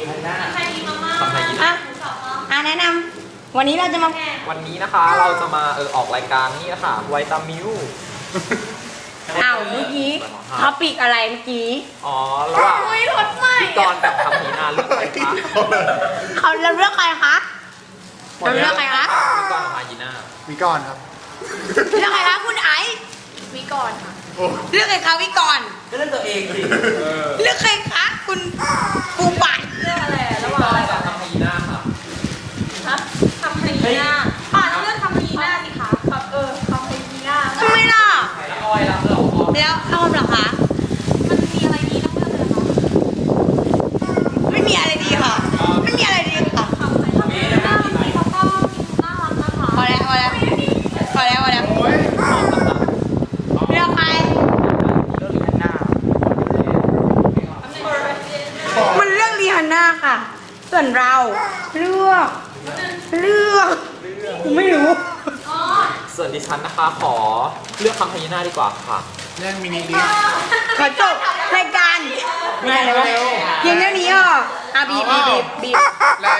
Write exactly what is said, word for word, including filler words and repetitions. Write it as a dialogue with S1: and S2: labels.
S1: ใครมีมาม่า
S2: ทำไมกิน
S3: อ่ะอ่ะแนะนำวันนี้เราจะมา
S2: วันนี้นะคะเราจะมาเออออกรายการนี่นะคะไวตามิว
S3: อ้าวเมื่อกี้ท็อปิกอะไรเมื่อกี้
S2: อ๋อระหว่าง
S1: อุ้ยรถใหม่
S2: พี่กรณ์กับคำพีนาเลือกใครคะ
S3: เขาเราเลือกใครคะเราเลือกใครคะ
S2: พี่กรณ์กับพายีน่า
S4: มีก่อนครับ
S3: เลือกใครคะคุณไอซ์
S1: มีก่อนค่ะ
S4: โอ้
S3: เลือกใครคะวิกรณ์
S2: ก็เลือกตัวเองสิ
S3: เลือกใครคะคุณปูปัด
S1: เรื่องอะไรอะ
S2: พี่
S1: ระห
S2: ก
S1: ว่าง
S2: รณ์กับคำพีนาค่ะ
S1: ครับทำฮีน่าอ่าต้องเลือกทำฮีน่าสิคะครับเออทำฮีน่า
S3: ทำไมล่ะ
S2: แล้วอ้อยแล้วเราอ้อย
S3: แล้วออมเหรอคะ
S1: มันมีอะไรดีต้องเลือกเลยคะ
S3: ไม่มีอะไรดีค่ะ ไม่มีอะไรดีค่ะ
S1: ทำฮีน่าจริงๆเขาก็น่ารักนะคะ
S3: พอแล้วพอแล้วพอแล้วพอแล้ว
S4: โอ้ย
S3: เลือกใคร
S2: เลือกลิฮันน่า
S3: มันเลือกรีฮันน่าค่ะ ส่วนเราเลือกเลือกไม่รู้
S1: อ๋อ
S2: ส่วนดิฉันนะคะขอเลือกคำพีนาดีกว่าค่ะ
S4: เรื่องมินิดิส
S3: ขอจบรายการไม่อะไรวะเพียงเท่านี้อ่ะอ่ะบีบบีบบีบบีบ
S4: และ